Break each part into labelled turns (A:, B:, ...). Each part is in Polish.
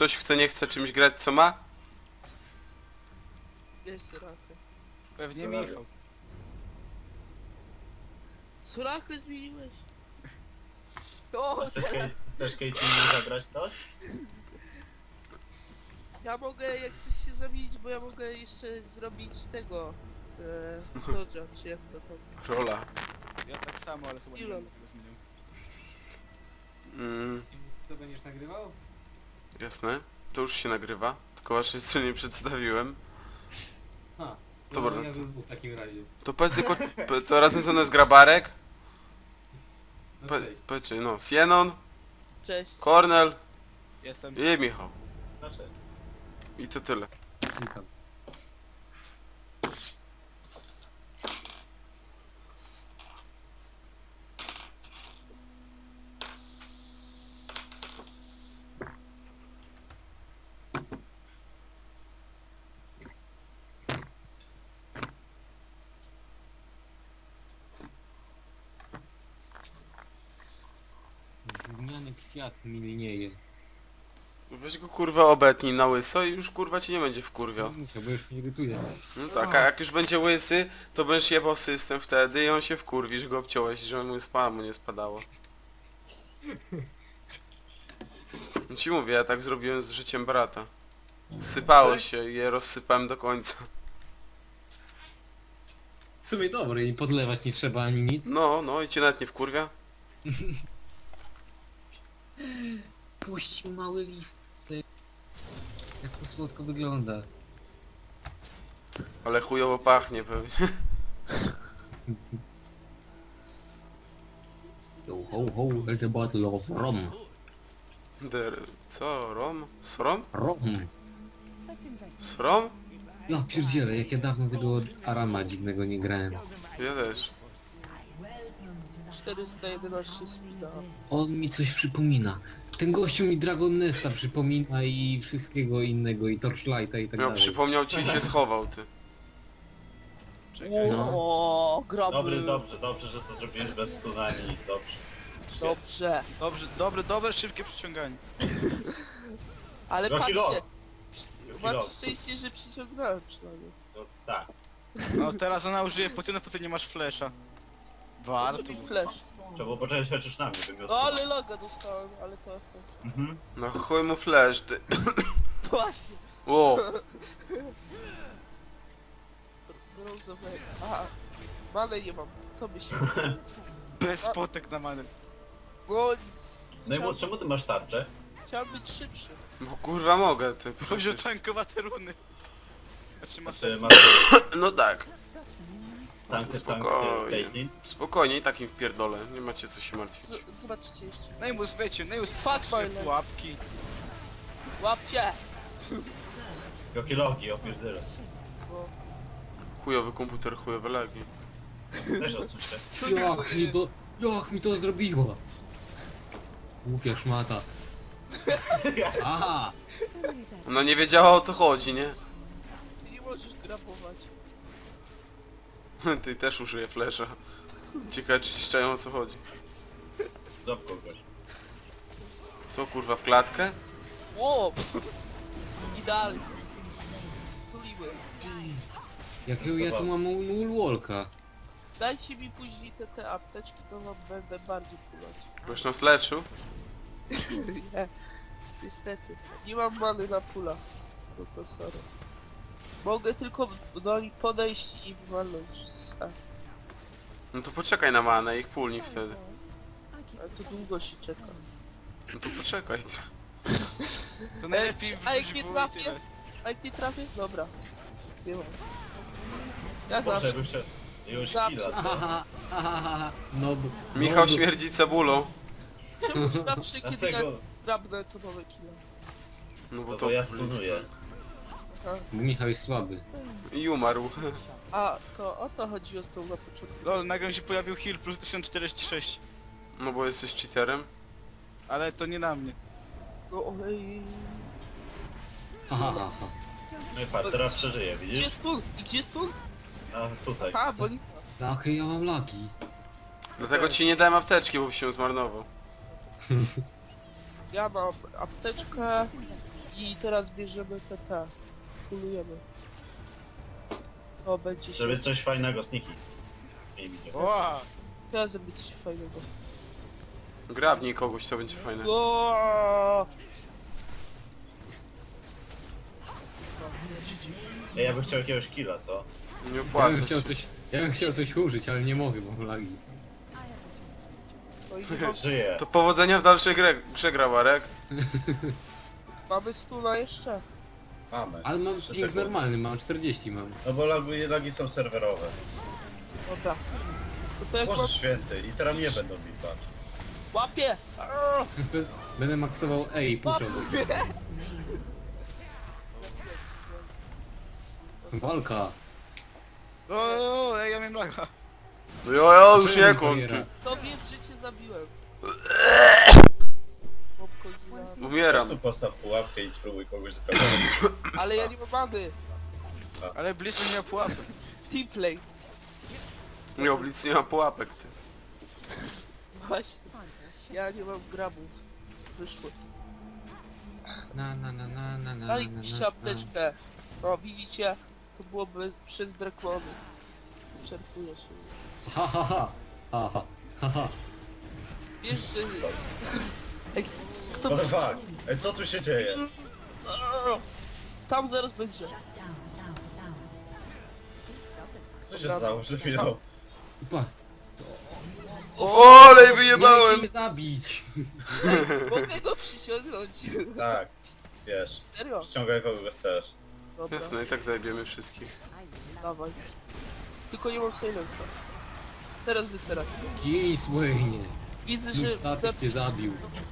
A: Ktoś chce, nie chce czymś grać, co ma?
B: Wiesz, Sorakę.
C: Pewnie Michał.
B: Sorakę zmieniłeś? O,
D: Chcesz Caitlyn zagrać to?
B: ja mogę jak coś się zamienić, bo ja mogę jeszcze zrobić tego... Dodge'a, czy jak to tam...
A: Rola.
C: Ja tak samo, ale chyba nie
B: Ilon.
C: będę tego zmieniał.
E: To będziesz nagrywał?
A: Jasne. To już się nagrywa. Tylko właśnie jeszcze nie przedstawiłem.
E: Ha.
A: Dobra.
E: Ja ze dwóch w takim razie.
A: To powiedz tylko... To razem ze mną jest Grabarek.
E: No cześć.
A: Powiedzcie, no. Sienon,
B: Cześć.
A: Kornel
C: Jestem.
A: i Michał.
D: Znaczy,
A: I to tyle.
E: Witam. Gówniany kwiat mi lnieje.
A: Weź go kurwa obetnij na łyso i już kurwa cię nie będzie wkurwiał.
E: Musiał, bo już mnie irytuje.
A: No tak, a jak już będzie łysy, to będziesz jebał system wtedy i on się wkurwi, że go obciąłeś, że mu spamu nie spadało. No ci mówię, ja tak zrobiłem z życiem brata. Sypało się i je rozsypałem do końca.
E: W sumie dobre i podlewać nie trzeba ani nic.
A: No i cię nawet nie wkurwia?
E: Puścił mały list. Jak to słodko wygląda.
A: Ale chujowo pachnie pewnie.
E: Yo ho ho, at the bottle of rum.
A: Co? Rom? Srom?
E: Rum.
A: Srom?
E: Ja pierdzielę, jak ja dawno tego Arama dziwnego nie grałem.
A: Ja też.
B: 411 speeda.
E: On mi coś przypomina. Ten gościu mi Dragon Nesta przypomina i wszystkiego innego, i Torchlighta i tak
A: Miał
E: dalej.
A: przypomniał ci i się schował ty.
C: Czekaj.
E: No.
B: O, graby.
D: dobrze, że to zrobiłeś bez stunani, dobrze.
B: Dobrze.
C: Dobre, szybkie przyciąganie.
B: Ale
D: Rocky Rock.
B: patrzcie,
D: Rocky
B: macie
D: Rock.
B: szczęście, że przyciągnąłem przynajmniej.
D: No, tak.
C: No teraz ona użyje potynów, to ty nie masz flesza. Warto.
B: Co mi flash?
D: Trzeba było poczekać chociaż na mnie, bym miał
B: No ale loga dostałem, ale to...
D: Mhm.
A: No chuj mu flash ty.
B: Właśnie.
A: Ło.
B: Brązowe. Aha. Manę nie mam. To by się...
C: Bez spotek na manę.
B: Bo
D: Najmłodszy, czemu ty masz tarczę?
B: chciałem być szybszy.
A: Bo kurwa mogę ty.
C: Wziął tankowate runy. Znaczy masz
D: Czy masz
A: No tak.
D: tankę,
A: Spokojnie.
D: Caitlyn?
A: Spokojnie i takim wpierdolę. Nie macie co się martwić.
B: Zobaczcie jeszcze.
C: Najmus, wiecie, Najmus
B: Fuck
C: swoje
B: my
C: pułapki.
B: Łapcie!
D: Jakie logi, opierdzielę.
B: Bo...
A: Chujowy komputer, chujowe lagi.
D: Też odsłyszę.
E: Jak mi to zrobiło? Głupia szmata. Aha!
A: Ona nie wiedziała o co chodzi, nie?
B: Ty nie możesz grabować.
A: Ty też użyję flasha. Ciekawe czy się czają o co chodzi.
D: Zop kogoś.
A: Co kurwa w klatkę?
B: Ło! Idealnie. Tuliły.
E: Jakiego ja tu mam Woolwalka?
B: Dajcie mi później te apteczki, to wam będę bardziej kulać.
A: Boś nas leczył?
B: Nie. Niestety. Nie mam many na pula. No to sorry. Mogę tylko do nich podejść i walnąć.
A: No to poczekaj na manę, ich pulni wtedy.
B: Ale to długo się czeka.
A: No to poczekaj ty.
C: To najlepiej
B: A jak
C: wrzuć
B: nie
C: w
B: trafię?
C: tyle.
B: A jak nie trafię? Dobra. Nie mam. Ja
D: Boże,
B: zawsze.
D: bym chciał... Już
B: Zawsze.
D: killa.
E: No
A: Michał śmierdzi cebulą.
B: Czemu zawsze kiedy ja
D: Dlatego...
B: grabnę to nowe killa?
A: No bo
D: No
A: to
D: bo ja stunuję.
E: Michał jest słaby.
A: I umarł.
B: A, to o to chodziło z tą na początku.
C: Lol, nagle mi się pojawił heal plus 1046.
A: No bo jesteś cheaterem.
C: Ale to nie na mnie.
B: No ojej.
E: Ha ha ha ha.
D: No i patrz, teraz przeżyję,
B: Gdzie
D: widzisz?
B: stun? I gdzie stun?
D: A tutaj.
B: A, bo nie...
E: Jakie ja mam laki.
A: Dlatego ci nie dałem apteczki, bo byś się zmarnował.
B: Ja mam apteczkę. I teraz bierzemy te. Kulujemy. To będzie się...
D: Żeby coś fajnego, sniki. Nie widzę.
C: Ła!
B: Teraz zrobię coś fajnego.
A: Grabnij kogoś, to będzie fajne.
B: O!
D: Ej, ja bym chciał jakiegoś killa, co?
A: Nie
E: Ja bym
A: opłaca
E: chciał
A: się.
E: coś... Ja bym chciał coś użyć, ale nie mogę, bo mam lagi.
B: No i nie mam...
D: Żyję.
A: To powodzenia w dalszej grze Grabarek.
B: Mamy stuna jeszcze.
D: Mamy.
E: Ale mam
D: Trzy
E: ping
D: sekundy.
E: normalny, mam 40 mam.
D: No bo lagi są serwerowe.
B: Dobra. To jak mam...
D: Boże święty, i teraz mnie będą bić, patrz.
B: Łapie! Arr!
E: Będę maksował E i puszczał. Walka.
C: O, ej, ja miałem laga.
A: No jo, już
E: Czemu
A: nie koń.
E: bariera?
B: To wiedz, że cię zabiłem. Popko zjadł.
A: Umieram.
D: Tu postaw pułapkę i spróbuj kogoś zaprowadzić.
B: Ale ja nie mam many.
C: Ale blisko nie miał pułapy.
B: Teamplay.
A: Nie oblic nie ma pułapek, ty.
B: Właśnie. Ja nie mam grabów. Wyszło.
E: Na.
B: Daj mi apteczkę. No widzicie? To było przez brakłony. Czerpuje się.
E: Ha ha ha. Ha ha. Ha ha.
B: Wiesz, że... Ej, kto...
D: What the fuck? Ej, co tu się dzieje?
B: Arr! Tam zaraz będzie.
D: Co się stało przed chwilą?
E: Pa.
A: Olej
E: Miałeś
A: wyjebałem!
E: mnie zabić.
B: Mogę go przyciągnąć.
D: Tak, wiesz.
B: Serio?
D: Ściągaj kogo chcesz.
B: Dobra,
A: Jasne, i tak zajebiemy wszystkich.
B: dawaj. Tylko nie mam silensa. Teraz wyserać.
E: Kij, Wayne.
B: Widzę, że...
E: Mój statek cię zabił.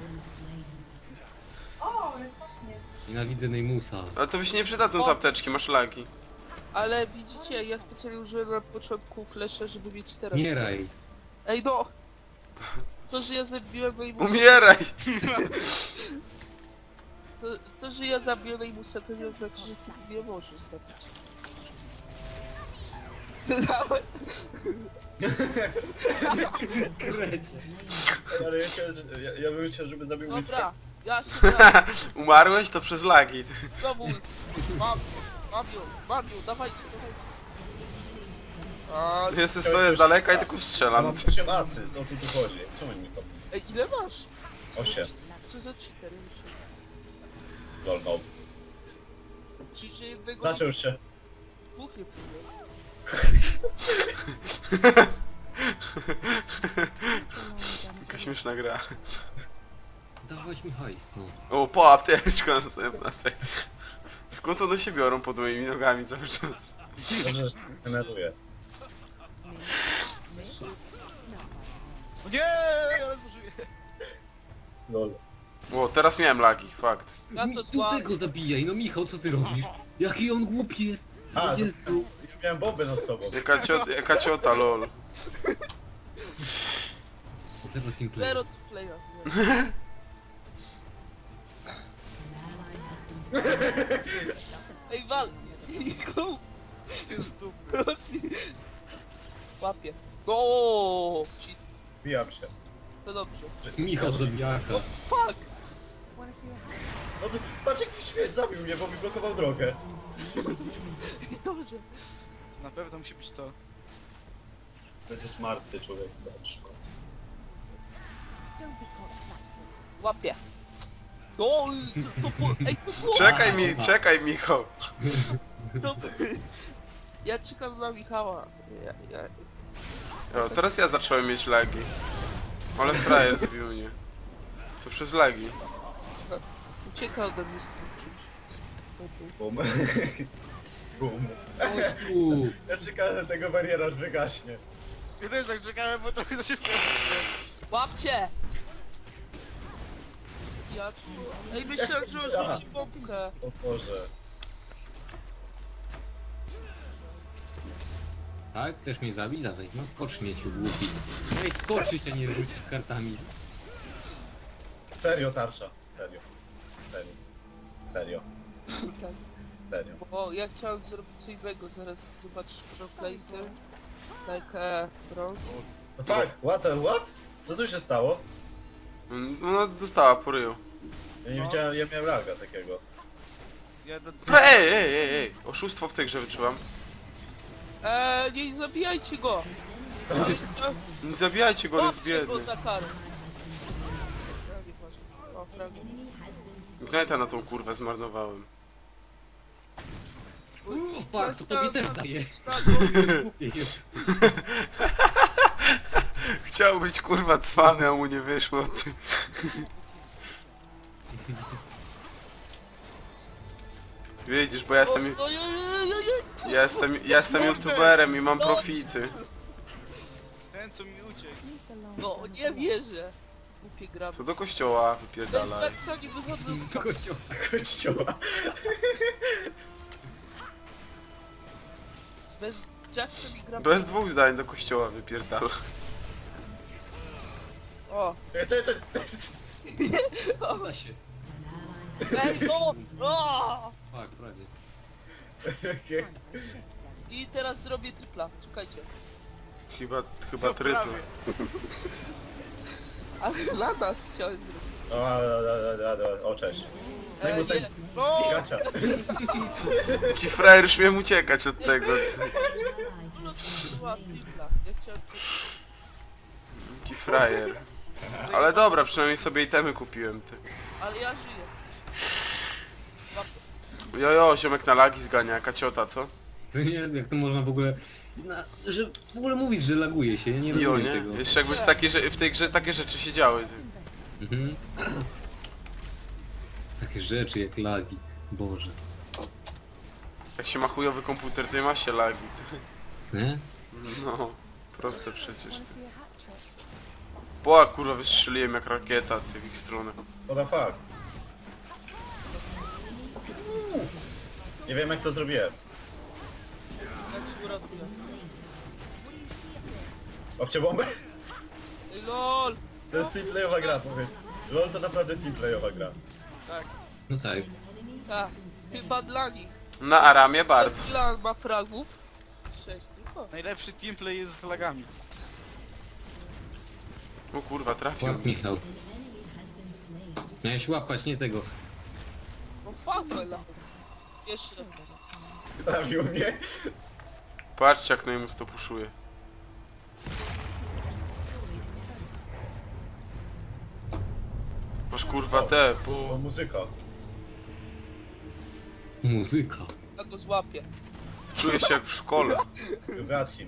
E: Nienawidzę Neymusa.
A: Ale to by się nie przydadzą te apteczki, masz lagi.
B: Ale widzicie, ja specjalnie użyłem na początku flasha, żeby mieć teraz.
E: Umieraj.
B: Ej no! To, że ja zabiłem Neymusa...
A: Umieraj!
B: To, że ja zabiłem Neymusa, to nie oznacza, że ty nie możesz zabić. Dawaj.
D: Ale ja, chciałem, ja bym chciał, żeby zabił mi
B: Dobra, ja się brałem.
A: Umarłeś to przez lagi.
B: Znowu. Mam ją, dawajcie. A,
A: Ja stoję z daleka i tylko
D: Ja
A: strzelam.
D: mam 8 asyst, o co tu chodzi? Czemu mi to...
B: ej, ile masz?
D: 8.
B: Co za cheater?
D: Lol, no.
B: Czyli, że jednego...
D: Zaczął się.
B: Dwóch nie próbuję.
A: Jaka śmieszna gra.
E: Dawać mi hajs, no.
A: O, po apteczka następna. Tak. Skąd one się biorą pod moimi nogami cały czas?
D: Dobrze, że się denerwuję.
C: O nie, ale zużyję.
D: Lol.
A: O, teraz miałem lagi, fakt.
B: Ja to
E: Tu
B: złam.
E: tego zabijaj, no Michał, co ty robisz? Jaki on głupi jest.
D: A,
E: Jezu.
D: Już miałem bombę nad sobą.
A: Jaka ciota, lol.
E: Zero teamplay.
B: Zero playa. Ej, wal! Go!
C: Jest dupy.
B: Łapie. Go! Cheat.
D: Bijam się.
B: To dobrze.
E: Michał zabijaka.
B: Fuck!
D: No to patrz jaki śmieć zabił mnie, bo mi blokował drogę.
B: Dobrze.
C: Na pewno musi być to.
D: Będziesz martwy człowiek. Dobrze.
B: Łapie. Go! Ej, to było...
A: Czekaj Michał.
B: To... Ja czekam na Michała.
A: O, teraz ja zacząłem mieć lagi. Ale frajer zabił mnie. To przez lagi.
B: Ucieka ode mnie z tym czymś.
D: Bum. Bum.
E: Chodź tu.
D: Ja czekałem na tego bariera, aż wygaśnie.
C: Ja też tak czekałem, bo trochę to się wkręciło.
B: Łapcie! Ja... Ej, myślałem, że on rzuci bombkę.
D: O Boże.
E: Tak? Chcesz mnie zabić? Dawaj, no skocz śmieciu, głupi. Ej, skoczyć, a nie rzucić kartami.
D: Serio tarcza. Serio. Serio. Serio.
B: Tak.
D: Serio.
B: Bo ja chciałem zrobić co innego, zaraz zobaczysz pro place'y. Tak, bronze.
D: No tak, what? Co tu się stało?
A: No dostała po ryju.
D: Ja nie widziałem, ja miałem laga takiego.
C: Ja do...
A: Ej! Oszustwo w tej grze wyczułam.
B: Nie zabijajcie go!
A: Nie zabijajcie go, on jest
B: Łapcie go
A: biedny.
B: za karę. Ja nie ważne. O, fragment.
A: Ignite'a na tą kurwę zmarnowałem.
E: Fuck, to tobie też daje.
B: Tak,
E: Głupie jest.
A: Chciał być kurwa cwany, a mu nie wyszło. Ty. Widzisz, bo ja jestem... Ja jestem youtuberem i mam profity.
C: Ten co mi uciekł.
B: No, nie wierzę. Głupie gra.
A: To do kościoła
B: Bez
A: wypierdalaj.
B: Jacksa nie wychodzą.
E: Do kościoła.
D: Kościoła.
B: Bez Jacksa nie gra.
A: Bez dwóch zdań do kościoła wypierdalaj.
B: O,
D: Czekaj.
E: Da się.
B: ej, nos! O!
E: Fuck, prawie.
B: I teraz zrobię tripla. Czekajcie.
A: Chyba
C: Co
A: trypl.
C: prawie?
B: Ale dla nas chciałem zrobić.
D: O, cześć.
B: Nie.
C: No!
D: Gacza.
A: Taki frajer już miałem uciekać od tego. Ty.
B: Była tripla. Ja chciałem...
A: Taki frajer. Ale dobra, przynajmniej sobie itemy kupiłem. Ty.
B: Ale ja żyję.
A: Jojo, ziomek na lagi zgania, jaka ciota, co?
E: Co nie, jak to można w ogóle... że w ogóle mówić, że laguje się, ja nie
A: Jo,
E: rozumiem
A: nie?
E: tego.
A: Jeszcze jakby w tej grze takie rzeczy się działy. Ty.
E: Mhm. Takie rzeczy jak lagi. Boże.
A: Jak się ma chujowy komputer, to nie ma się lagi. Ty.
E: Co nie?
A: No, proste przecież. Ty. Boa, kurwa, wystrzeliłem jak rakieta, ty, w ich stronę.
D: What the fuck? Nie wiem jak to zrobiłem.
B: Jak się urobiłem.
D: Obcie bombę?
B: Ej, LOL!
D: To jest teamplayowa gra, powiedz. LOL to naprawdę teamplayowa gra.
C: Tak.
E: No tak.
B: Tak, chyba dla nich.
A: Na Aramie bardzo.
B: Dla ma fragów. 6 tylko.
C: Najlepszy teamplay jest z lagami.
A: O kurwa, trafił
E: Łap
A: mnie.
E: Michał. Miałeś łapać, nie tego.
B: No fuck, jeszcze raz.
D: Trafił mnie.
A: Patrzcie jak Neymus to puszuje. Masz kurwa te,
D: O,
A: bo...
D: muzyka.
E: Muzyka.
B: Ja go złapię.
A: Czuję się jak w szkole.
D: Gatchin.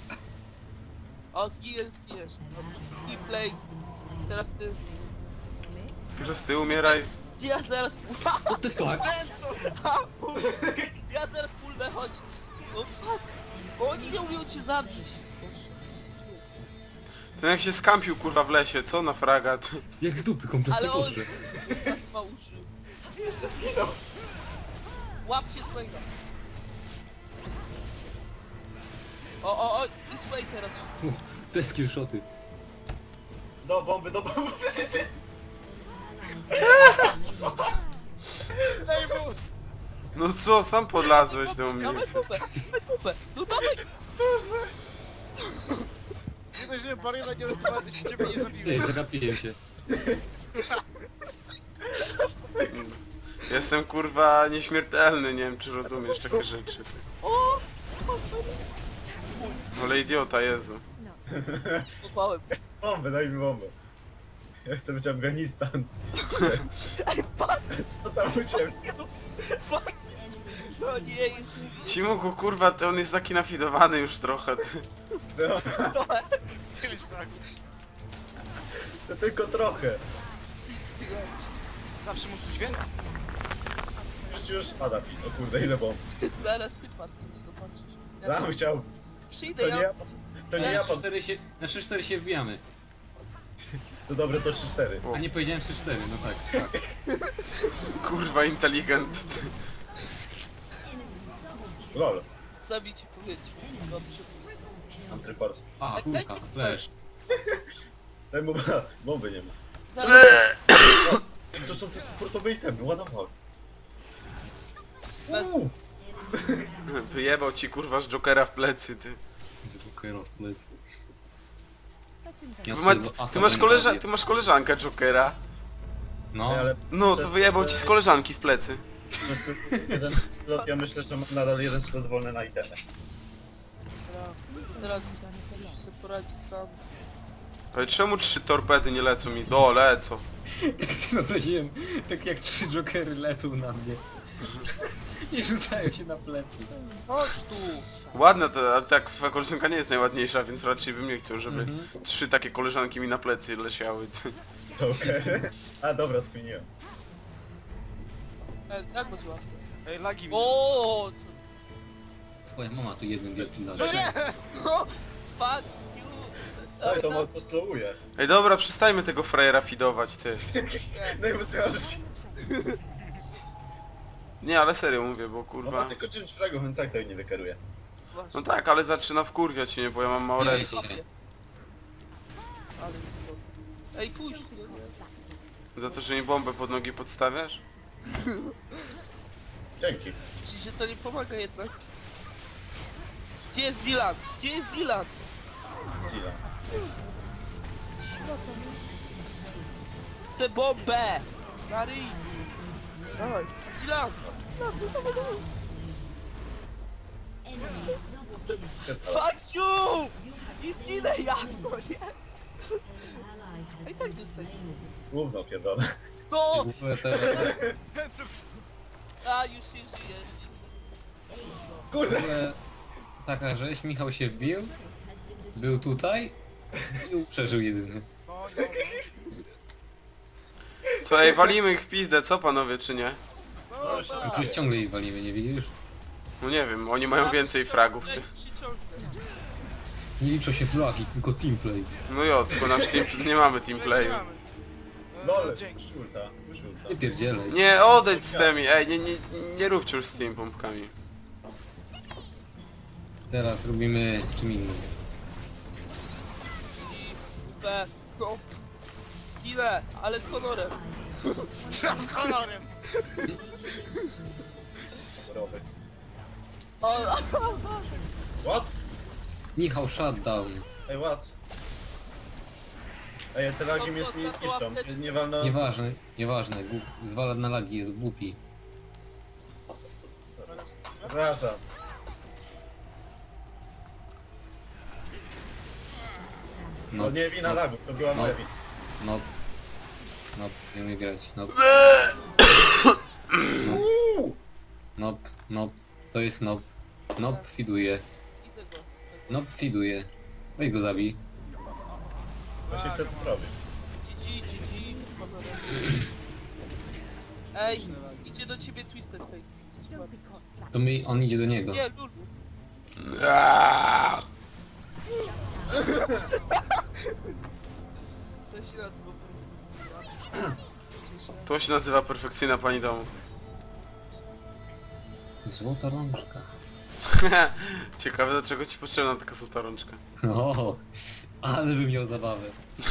B: O, zginiesz. Dobrze. I play. Teraz ty.
A: Teraz ty umieraj.
B: Ja zaraz
E: What the fuck?
B: Ja zaraz pulnę, chodź. No fuck. Oni nie umią cię zabić.
A: Ten jak się skampił kurwa w lesie, co na fragat?
E: Jak z dupy kompletnie
B: Ale on
E: poszedł.
B: ma uszy.
D: Jeszcze zginął.
B: Łapcie swojego. O, i sway teraz wszystko.
E: Te skillshoty.
D: Do bomby.
C: Neymus!
A: No co, sam podlazłeś do mnie.
B: Dawaj tubę. No dawaj.
C: Nie dość, że bariera nie rozwala, się ciebie nie
E: Ej,
C: zabiłem.
E: zagapiłem się.
A: Jestem kurwa nieśmiertelny, nie wiem czy rozumiesz takie rzeczy.
B: O!
A: Ale idiota, Jezu.
B: Popałem.
D: Bombę, daj mi bombę. Ja chcę być Afganistan.
B: Ej, fuck.
D: Co tam u ciebie?
B: Fuck. No nie, jest
A: Cimuku kurwa, on jest taki nafidowany już trochę. Ty.
D: No,
B: trochę.
C: 9 fragów.
D: to tylko trochę.
C: Zawsze mógł być więcej.
D: Już pada mi. O kurde, ile bomb.
B: Zaraz ty padniesz, zobaczysz.
D: Sam chciał.
B: Przyjdę,
D: To nie
B: ja...
D: ja. To nie ja.
E: Na 3-4 się wbijamy.
D: To dobre, to 3-4.
E: A nie powiedziałem 3-4, no tak.
A: Kurwa inteligent. Ty.
D: LOL.
B: Zabić i powiedzieć. Dobrze.
D: Mam trypors.
E: A, kulka, flash.
D: Daj mu bomby nie ma.
B: Zaraz...
D: To są te sportowe itemy, what the fuck.
B: Bez-
A: Wyjebał ci kurwa z Jokera w plecy, ty.
E: Z Jokera w plecy.
A: Ty masz koleżankę Jokera.
E: No,
D: Ale
A: No, to wyjebał ci z koleżanki w plecy.
D: Przez jeden slot, ja myślę, że mam nadal jeden slot wolny na itemy.
B: Teraz musisz sobie poradzić sam.
A: Ale czemu 3 torpedy nie lecą mi? Do, lecą.
E: Tak sobie wyobraziłem, tak jak 3 jokery lecą na mnie. I rzucają się na plecy.
B: Chodź tu!
A: Ładna to, ale tak twoja koleżanka nie jest najładniejsza, więc raczej bym nie chciał, żeby
E: Mhm.
A: 3 takie koleżanki mi na plecy leciały.
D: Okej. A dobra, skminiłem.
B: Jak go złapie?
C: Ej, lagi mi.
B: O,
E: Twoja mama tu jeden wielki
C: No
E: laże.
C: nie!
B: co? Fuck you!
D: Ej, to to slowuje.
A: Ej dobra, przestajmy tego frajera fidować, ty.
D: No i wystrażyć.
A: Nie, ale serio mówię, bo
D: No ma
A: kurwa...
D: tylko 9 fragów, on tak to nie wykeruje.
A: No tak, ale zaczyna wkurwiać mnie, bo ja mam mało
E: Nie,
A: resu.
E: się.
B: Ale spoko. Ej, pójdź!
A: Za to, że mi bombę pod nogi podstawiasz?
D: Dzięki.
B: Ci się to nie pomaga jednak. Gdzie jest Zilan? Gdzie jest Zilan?
D: Zila.
B: Chcę bombę! Na ryj! Dawaj, Zilan! Fuck you! I zginę ja! No nie! A i tak dostaję.
D: Gówno pierdolę.
B: No!
E: W ogóle to...
B: A, już się żyjesz.
E: W
D: Kurde.
E: ogóle taka rzeź, Michał się wbił, był tutaj i przeżył jedyny.
C: No, no,
A: Co, ej, walimy ich w pizdę, co panowie, czy nie?
C: no,
D: No,
C: tak.
E: I przecież ciągle jej walimy, nie widzisz?
A: No nie wiem, oni mają więcej fragów, ty.
B: Przyciągnę.
E: Nie liczą się flagi, tylko teamplay.
A: No jo, tylko nasz team, nie mamy teamplayu.
D: Lol,
C: Dzięki.
D: już ulta, już ulta.
E: Nie pierdzielej.
A: Nie, odejdź z tymi, ej, nie róbcie już z tymi pompkami.
E: Teraz robimy z czym innym.
B: I B. No. Ile? Ale z honorem.
C: Z honorem.
D: Rowy.
B: O,
D: What?
E: Michał shutdown.
D: Ej, what? Ej, te lagi mnie nie zniszczą. Nie wolno...
E: Nieważne, nieważne, zwala na lagi, jest głupi.
D: Przepraszam.
E: No,
D: To nie wina lagów, to była
E: No.
D: moja wina.
E: no, no, nie umie grać, no, no, no, to jest nob, nob fiduje,
B: idę go.
E: nob fiduje, weź go zabij.
D: Właśnie chcę to zrobić.
B: GG, honorem. Ej, idzie do ciebie Twisted Fate. Co ci ładnie.
E: To on idzie do niego.
B: Nie, Lulu.
A: Aaaa!
B: To się nazywa
A: To się nazywa perfekcyjna pani domu.
E: Złota rączka.
A: Ciekawe, do czego ci potrzebna taka złota rączka.
E: O, ale bym miał zabawę.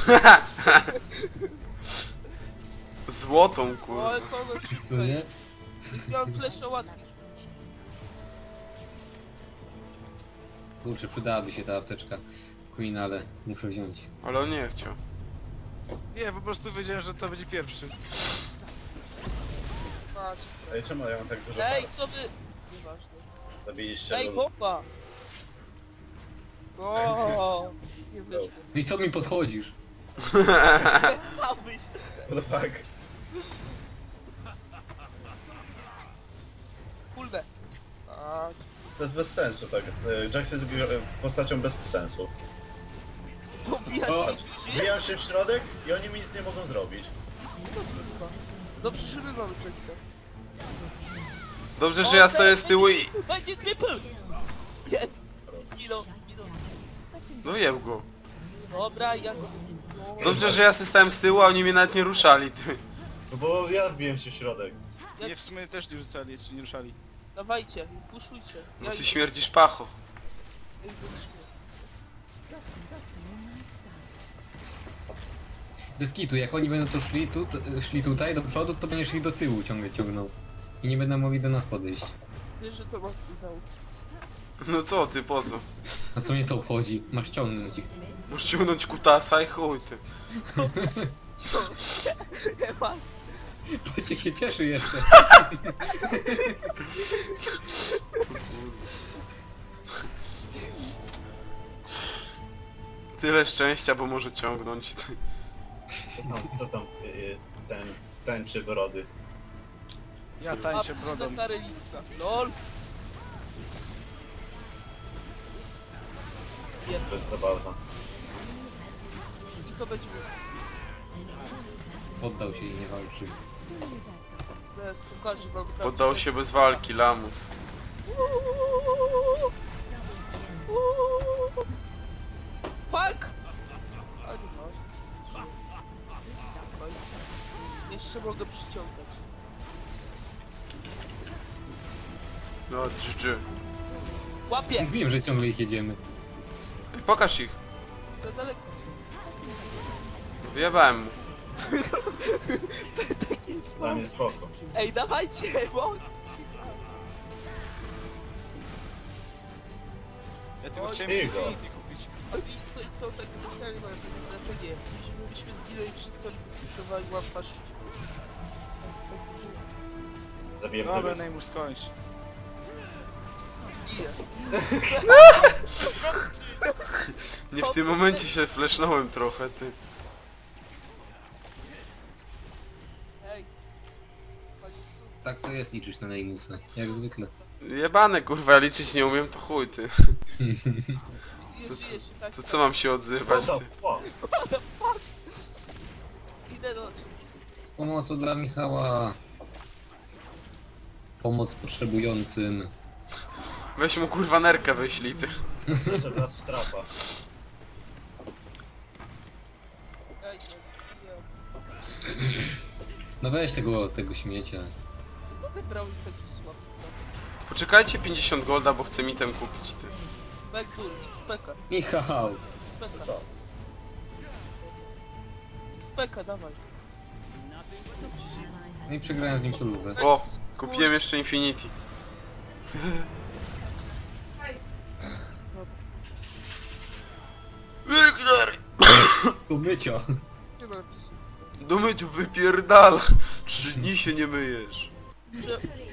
A: Złotą,
B: O,
A: kurwa.
B: ale to ono
E: Co nie?
B: miałem flesza łatwiej.
E: Kurczę, przydałaby się ta apteczka Queen, ale muszę wziąć.
A: Ale on nie chciał.
C: Nie, po prostu wiedziałem, że to będzie pierwszy.
B: Patrz.
D: Ej, czemu ja mam tak dużo
B: Ej,
D: par?
B: co wy... Nieważne.
D: Zabiliście
B: Ej,
D: lol.
B: bomba! O, nie wyszło.
E: I co mi podchodzisz?
B: Chciałbyś.
D: What the fuck?
B: Kurde. A,
D: To jest bez sensu, tak. Jax jest postacią bez sensu.
B: pobijać
D: O,
B: się żyje?
D: wbijam się w środek i oni mi nic nie mogą zrobić.
B: Dobrze, że my mamy Jacksa.
A: Dobrze, że ja stoję z tyłu i...
B: Będzie triple! Jest! Zginął, zginął.
A: No jeb go.
B: Dobra, ja go... No,
A: Dobrze, że ja się stałem z tyłu, a oni mnie nawet nie ruszali, ty.
D: No bo ja wbiłem się w środek.
C: Nie, w sumie też nie rzucali, czy nie ruszali.
B: Dawajcie, puszujcie.
A: No ty
B: idę.
A: śmierdzisz pacho.
B: Ja idę do siebie.
E: Bez kitu, jak oni będą tu szli tutaj do przodu, to będziesz ich do tyłu ciągle ciągnął. I nie będą mogli do nas podejść.
B: Wiesz, że to ma wpływ.
A: No co ty, po co?
E: A co mnie to obchodzi? Masz ciągnąć ich.
A: Masz ciągnąć kutasa i chuj, ty.
B: Nie masz.
E: Wojciech się cieszy jeszcze.
A: Tyle szczęścia, bo może ciągnąć.
D: Co tam ten tańczy brody?
C: Ja
B: A
C: tańczę brodą.
B: przyznę listka. LOL. Jest.
D: To jest zabawna.
B: I to będzie...
E: Poddał się i nie walczy.
B: Zaraz pokażę wam...
A: Poddał się bez walki, lamus.
B: Fuck! A nie masz. Jeszcze mogę przyciągać.
A: No, GG.
B: Łapie!
E: Mówiłem, że ciągle ich jedziemy.
A: Pokaż ich.
B: Za daleko.
A: Wyjebałem mu.
B: Taki jest
D: Dla mnie spoko.
B: Ej, dawajcie, bo...
C: Ja tylko
B: Oj,
C: chciałem
D: Igor.
C: Infinity kupić.
B: Oni coś są tak specjalnie mają to znaczenie. Myśmy zginęli wszyscy, oni wyskoczowali łapa
D: Zabiję
C: Dobra,
D: Plebis.
C: Neymus skończ.
B: Giję.
A: Nie w tym momencie się flashnąłem trochę, ty.
B: Ej. Pani Stu,
E: Tak to jest liczyć na Neymusa. Jak zwykle.
A: Jebane kurwa, ja liczyć nie umiem, to chuj ty.
B: nie żyjesz i tak.
A: To co mam się odzywać,
D: What
A: ty?
D: the fuck?
B: Idę do...
E: Z pomocą dla Michała. Pomoc potrzebującym.
A: Weź mu kurwa nerkę wyślij, ty.
D: Jeszcze raz w trapa.
B: Ej, nie.
E: No weź tego śmiecia.
B: No brał taki słaby.
A: Poczekajcie 50 golda, bo chcę mitem kupić, ty.
B: Backdoor, XPK,
E: Michał!
B: XPK.
D: Co?
B: XPK, dawaj.
E: No i przegrałem z nim solówę.
A: O! Kupiłem jeszcze Infinity. Wiktor!
E: Do mycia!
B: Nie ma napisu.
A: Do myciu wypierdala! 3 dni się nie myjesz.
B: Że